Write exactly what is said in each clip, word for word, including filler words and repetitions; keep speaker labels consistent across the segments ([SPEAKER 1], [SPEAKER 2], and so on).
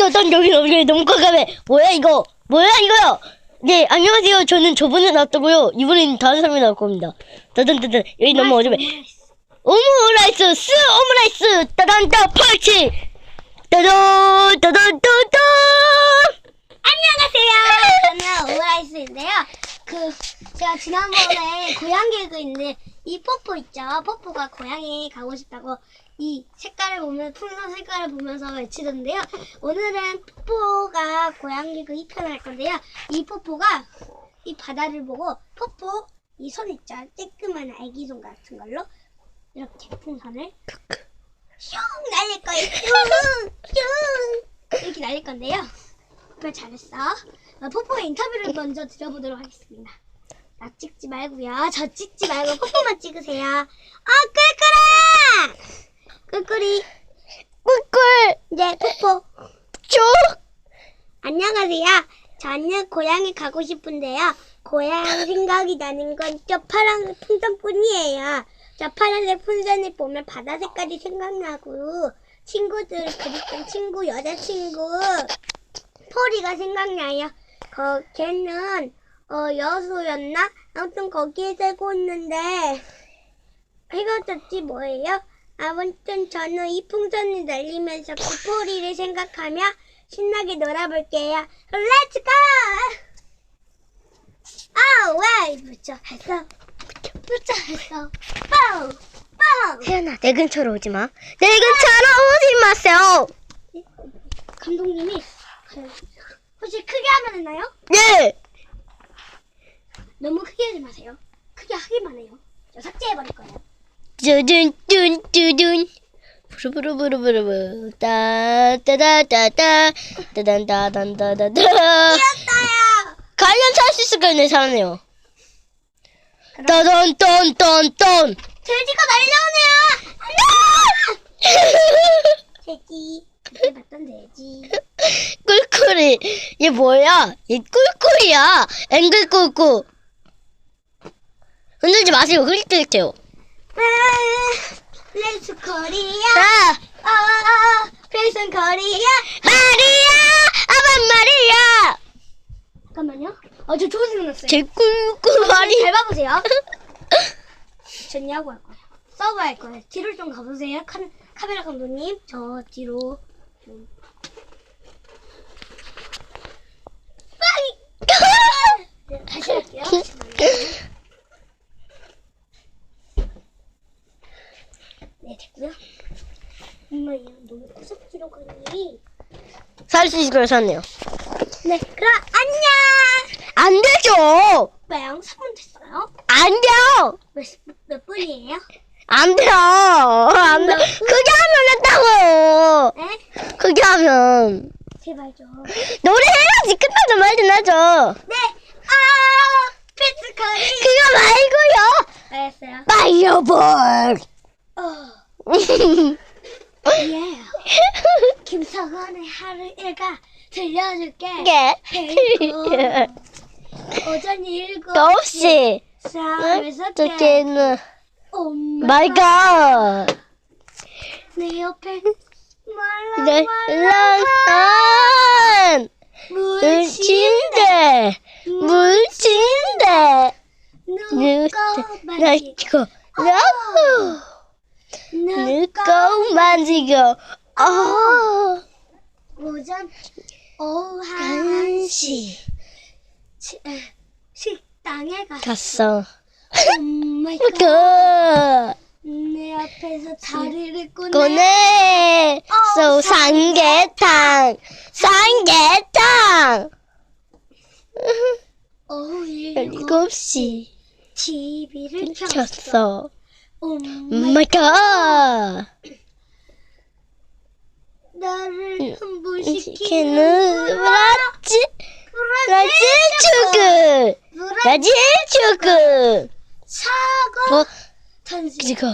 [SPEAKER 1] 난 여기 여기 너무 깜깜해. 뭐야 이거? 뭐야 이거요? 네, 안녕하세요. 저는 저번에 나왔다고요. 이번엔 다른 사람이 나올 겁니다. 따단따단. 여기 너무 어려워. 오므라이스, 스 오므라이스. 따단따 펄치. 따단 따단 따단.
[SPEAKER 2] 안녕하세요. 저는 오므라이스인데요. 그 제가 지난번에 고양 개그인데 이 뽀뽀 있죠. 뽀뽀가 고양이 가고 싶다고 이 색깔을 보면 풍선 색깔을 보면서 외치던데요. 오늘은 뽀뽀가 고양 개그 이 편을 할 건데요. 이 뽀뽀가 이 바다를 보고 뽀뽀 이 손 있죠. 쬐끄만 아기 손 같은 걸로 이렇게 풍선을 슝 날릴 거예요. 슝 슝 이렇게 날릴 건데요. 그걸 잘했어. 어, 뽀뽀의 인터뷰를 먼저 드려보도록 하겠습니다. 나 찍지 말고요. 저 찍지 말고 뽀뽀만 찍으세요. 아, 꿀꿀아! 꿀꿀이.
[SPEAKER 1] 꿀꿀.
[SPEAKER 2] 네, 뽀뽀.
[SPEAKER 1] 쭉.
[SPEAKER 2] 안녕하세요. 저는 고향에 가고 싶은데요. 고향 생각이 나는 건 저 파란 풍선뿐이에요. 저 파란색 풍선을 보면 바다 색깔이 생각나고 친구들 그립던 친구 여자친구 포리가 생각나요. 거, 걔는 어, 여수였나? 아무튼 거기에 살고 있는데 해가 졌지 뭐예요? 아무튼 저는 이 풍선을 날리면서 그 포리를 생각하며 신나게 놀아볼게요. 렛츠 고! 아, 왜? 무쳐 했어. 무쳐 했어. 뻥! 뻥!
[SPEAKER 1] 혜연아, 내 근처로 오지 마. 내 근처로 오지 마세요.
[SPEAKER 2] 감독님이 혹시 크게 하면 되나요?
[SPEAKER 1] 네.
[SPEAKER 2] 너무 크게 하지 마세요. 크게 하기만 해요. 저 삭제해버릴 거예요.
[SPEAKER 1] 뚜둔 뚜둔 뚜둔 부르부르부르부르 따따다따따 따단따단따다다.
[SPEAKER 2] 뛰었어요!
[SPEAKER 1] 관련 할 수 있을 거예요. 내 사람이요. 떠돈돈돈돈.
[SPEAKER 2] 돼지가 날려오네요! 돼지. 그때 봤던 돼지.
[SPEAKER 1] 꿀꿀이. 얘 뭐야? 얘 꿀꿀이야. 앵글 꿀꿀. 흔들지 마세요. 흐릿흐릿해요.
[SPEAKER 2] 렛츠 코리아.
[SPEAKER 1] 아,
[SPEAKER 2] 아, 프레이슨 코리아.
[SPEAKER 1] 마리아, 아반 마리아.
[SPEAKER 2] 잠깐만요. 어, 저 좋은 생각 났어요.
[SPEAKER 1] 제 꿀꿀 말이.
[SPEAKER 2] 잘 봐보세요. 전 야구 할 거예요. 서브 할 거예요. 뒤로 좀 가보세요. 카, 카메라 감독님. 저 뒤로 좀. 빵이! 네, 다시 할게요. 네, 됐고요. 엄마야, 너무 구석지로 가니?
[SPEAKER 1] 살 수 있을 거예요. 샀네요.
[SPEAKER 2] 네, 그럼 안녕!
[SPEAKER 1] 안 되죠.
[SPEAKER 2] 왜요? 삼 분 됐어요?
[SPEAKER 1] 안 돼요.
[SPEAKER 2] 몇, 몇 분이에요?
[SPEAKER 1] 안 돼요. 안 돼. 그게 하면 했다고요.
[SPEAKER 2] 네?
[SPEAKER 1] 그게 하면.
[SPEAKER 2] 제발 좀.
[SPEAKER 1] 노래 해야지. 끝나죠 말든 하죠.
[SPEAKER 2] 네! 아! 패스카리!
[SPEAKER 1] 그거
[SPEAKER 2] 알았어요.
[SPEAKER 1] 말고요. 파이어볼.
[SPEAKER 2] 어. 예. 김석원의 하루 일과 들려줄게.
[SPEAKER 1] 예.
[SPEAKER 2] 오전 일곱
[SPEAKER 1] 또 없이.
[SPEAKER 2] 싸움에서
[SPEAKER 1] 어떻게는.
[SPEAKER 2] 오
[SPEAKER 1] 마이 갓.
[SPEAKER 2] 내 옆에
[SPEAKER 1] 네. 란. 물친데. 물친데.
[SPEAKER 2] 누가 만지고
[SPEAKER 1] 나이고. 나후. 누가 만지고. 아.
[SPEAKER 2] 오전 오후 한 시
[SPEAKER 1] 한시
[SPEAKER 2] 식당에 가서
[SPEAKER 1] 갔어.
[SPEAKER 2] 오마이갓
[SPEAKER 1] 그
[SPEAKER 2] 내 앞에서 다리를 꺼내
[SPEAKER 1] 꺼내. 소 삼계탕. 삼계탕.
[SPEAKER 2] 오후 일곱
[SPEAKER 1] 일곱 시
[SPEAKER 2] 티비를 켰어.
[SPEAKER 1] 켰어.
[SPEAKER 2] 오마이갓
[SPEAKER 1] 마이 갓.
[SPEAKER 2] 나를 흥분시키는
[SPEAKER 1] 시키는 브라질 브라질
[SPEAKER 2] 브라질
[SPEAKER 1] 축구. 브라질 축구.
[SPEAKER 2] 사고
[SPEAKER 1] 뭐
[SPEAKER 2] 탄식
[SPEAKER 1] 지금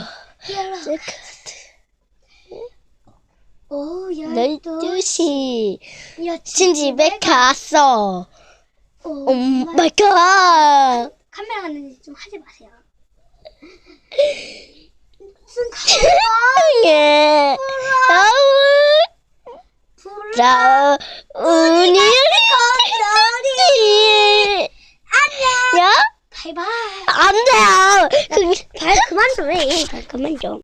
[SPEAKER 2] 오후
[SPEAKER 1] 열두
[SPEAKER 2] 열두
[SPEAKER 1] 시
[SPEAKER 2] 여친
[SPEAKER 1] 친집에 갔어. 오
[SPEAKER 2] 오마이
[SPEAKER 1] 마이 갓.
[SPEAKER 2] 카메라 갔는지 좀 하지 마세요. 무슨 카메라?
[SPEAKER 1] 예. 아우.
[SPEAKER 2] 불러.
[SPEAKER 1] 자, 우니
[SPEAKER 2] 건더리. 안녕.
[SPEAKER 1] 야?
[SPEAKER 2] 바이바이.
[SPEAKER 1] 안 돼요. 그,
[SPEAKER 2] 발 그만 좀 해. 발 그만 좀.